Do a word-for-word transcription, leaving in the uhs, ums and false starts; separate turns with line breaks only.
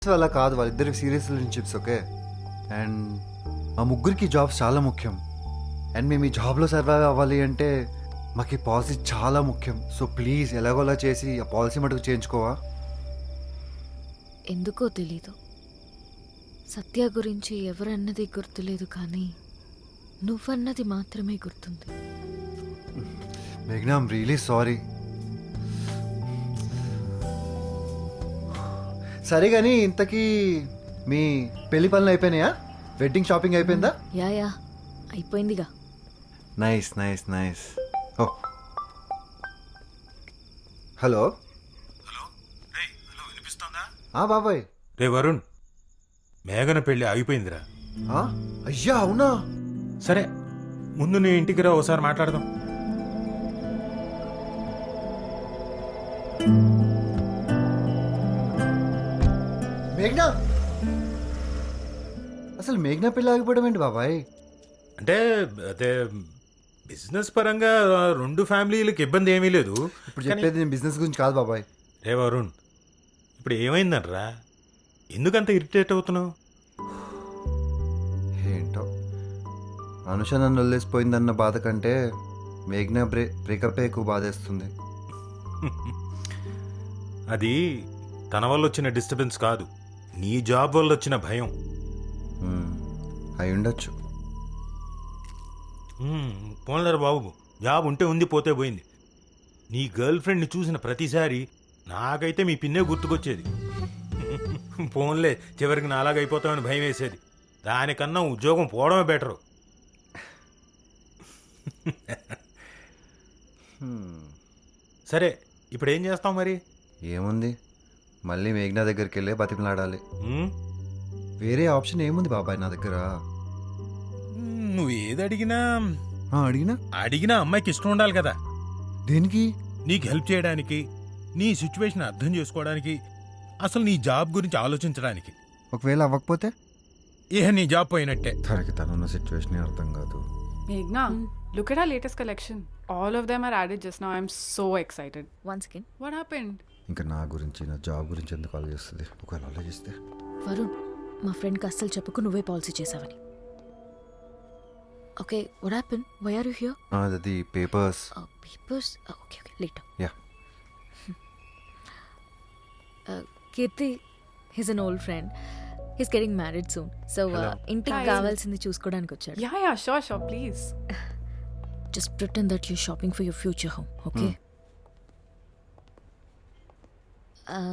అలా కాదు, వాళ్ళిద్దరికి సీరియస్ రిలేషన్షిప్స్. ఓకే, అండ్ మా ముగ్గురికి జాబ్స్ చాలా ముఖ్యం. అండ్ మేము ఈ జాబ్లో సర్వైవ్ అవ్వాలి అంటే మాకు ఈ పాలసీ చాలా ముఖ్యం. సో ప్లీజ్ ఎలాగోలా చేసి ఆ పాలసీ మటుకు చేయించుకోవా.
ఎందుకో తెలీదు, సత్య గురించి ఎవరన్నది గుర్తులేదు, కానీ నువ్వన్నది మాత్రమే గుర్తుంది.
మేఘ్నా, ఐమ్ రియలీ సారీ. సరే కానీ ఇంతకీ మీ పెళ్లి పనులు అయిపోయినాయా? వెడ్డింగ్ షాపింగ్ అయిపోయిందా?
యా యా అయిపోయిందిగా.
Nice nice nice. Oh hello
hello రే హలో వినిపిస్తోందా?
ఆ బాబాయ్.
రే వరుణ్, మేఘన పెళ్ళి ఆగిపోయిందిరా.
ఆ, అయ్యా అవునా?
సరే ముందు నీ ఇంటికి రా, ఒకసారి మాట్లాడదాం.
మేఘ్నా, అసలు మేఘ్నా పెళ్ళి ఆగిపోవడం ఏంటి బాబాయ్?
అంటే అదే బిజినెస్ పరంగా రెండు ఫ్యామిలీలకు ఇబ్బంది ఏమీ లేదు.
ఇప్పుడు
కానీ-
చెప్పేది నేను బిజినెస్ గురించి కాదు బాబాయ్.
రే వరుణ్, ఇప్పుడు ఏమైందనరా? ఎందుకంత ఇరిటేట్ అవుతున్నావు?
ఏంటో, అనుష నన్ను వదిలేసిపోయిందన్న బాధ కంటే మేఘ్నా బ్రే బ్రేకప్ ఎక్కువ బాధేస్తుంది.
అది తన వల్ల వచ్చిన డిస్టర్బెన్స్ కాదు, నీ జాబ్ వల్ల వచ్చిన భయం.
మ్మ్, అయి ఉండొచ్చు.
పోన్లేరు బాబు, జాబ్ ఉంటే ఉంది, పోతే పోయింది. నీ గర్ల్ ఫ్రెండ్ని చూసిన ప్రతిసారి నాకైతే మీ పిన్నే గుర్తుకొచ్చేది. పోన్లే, చివరికి నాలాగ అయిపోతామని భయం వేసేది. దానికన్నా ఉద్యోగం పోవడమే బెటరు.
హ్మ్,
సరే ఇప్పుడు ఏం చేస్తాం మరి?
ఏముంది, మళ్ళీ మేఘ్నా దగ్గరికి వెళ్ళి బతిమలాడాలి.
ఉమ్,
వేరే ఆప్షన్ ఏముంది బాబాయ్ నా దగ్గర?
నువ్వు ఏది అడిగినా
ఆ, అడిగినా
అడిగినా అమ్మాయికి ఇష్టం ఉండాలి కదా.
దేనికి?
నీకు హెల్ప్ చేయడానికి, నీ సిచ్యువేషన్ అర్థం చేసుకోవడానికి, అసలు నీ జాబ్ గురించి ఆలోచించడానికి.
ఒకవేళ అవ్వకపోతే
ఏ నీ జాబ్ పోయినట్టే.
తనకి తనున్న సిచ్యువేషన్ అర్థం కాదు.
Meghna, look at our latest collection. All of them are added just now. I'm so excited.
Once again
What happened?
ఇంకా నా గురించి నా జాబ్ గురించి ఎందుకు ఆలోచిస్తుంది? ఒకవేళ ఆలోచిస్తే
వరుణ్, మా ఫ్రెండ్కి అస్సలు చెప్పకు నువ్వే పాలసీ చేసావని. Okay, what happen? Why are you here?
అది papers.
Papers. Okay okay later.
Yeah.
Keerthi, he's an old friend. He's getting married soon. So ఇంటికి
Hi.
కావాల్సింది చూసుకోవడానికి వచ్చాడు.
Yeah, yeah, sure, sure, please.
Just pretend that you shopping for your future home, okay?